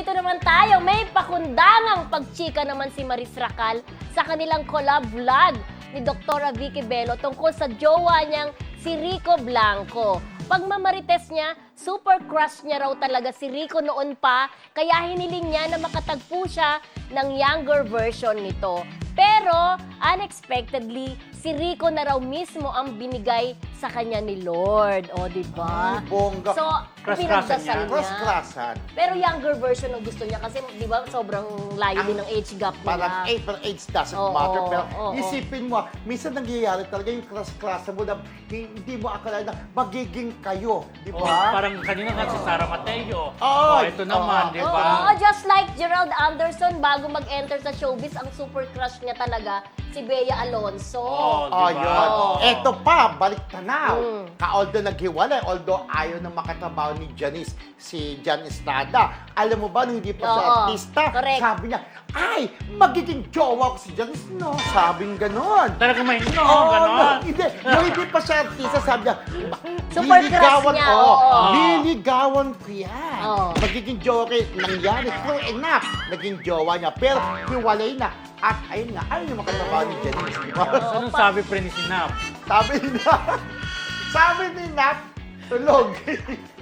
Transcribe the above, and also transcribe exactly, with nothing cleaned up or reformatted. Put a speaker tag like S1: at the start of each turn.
S1: dito naman tayo, may pakundangang pagchika naman si Maris Racal sa kanilang collab vlog ni Doktora Vicky Bello tungkol sa jowa niyang si Rico Blanco. Pagmamarites niya, super crush niya raw talaga si Rico noon pa, kaya hiniling niya na makatagpo siya ng younger version nito. Pero, unexpectedly, si Rico na raw mismo ang binigay sa kanya ni Lord. O, di ba?
S2: Ay, bongga.
S1: So,
S3: Crush-crushan
S1: pinagdasal
S3: niya.
S1: niya.
S2: Cross-crossan.
S1: Pero younger version ang gusto niya kasi, di ba, sobrang layo din ng age gap nila.
S2: Parang age, pero age doesn't
S1: Oo,
S2: matter. Pero
S1: oo,
S2: isipin mo, minsan nangyayari talaga yung cross-crossan mo na hindi mo akala na magiging kayo. Di
S3: Oh,
S2: ba?
S3: parang kanina nga si Sara Mateo.
S2: Oo.
S3: Oh, ito naman,
S2: Oo.
S3: di
S1: Oo,
S3: ba?
S1: just like Gerald Anderson, bago mag-enter sa showbiz, ang super crush niya talaga, si Bea Alonso.
S3: Oo,
S2: Oh,
S3: di ba?
S2: yun.
S1: Oo.
S2: Eto pa, balik tanaw.
S1: Mm.
S2: Ka-although naghiwalay, although ayaw na makatrabaho ni Janice, si Jan Estrada. Alam mo ba, nung hindi pa siya
S1: Oo,
S2: artista,
S1: correct.
S2: sabi niya, ay, magiging jowa ko si Janice. No, sabing ganon.
S3: Talagang may no,
S2: Oo,
S3: ganon.
S2: no, hindi. Nung hindi pa siya artista, sabi niya,
S1: Super
S2: liligawan
S1: crush niya,
S2: ko.
S1: oo.
S2: Liligawan ko yan.
S1: Oo.
S2: Magiging jowa ko. Nangyari, true enough, naging jowa niya. Pero, hiwalay na. At ayun nga, ayaw na makatrabaho ni Janice. Di ba?
S3: Anong sabi pre ni Sinap?
S2: Sabi ni Nap, sabi ni Nap, tulog.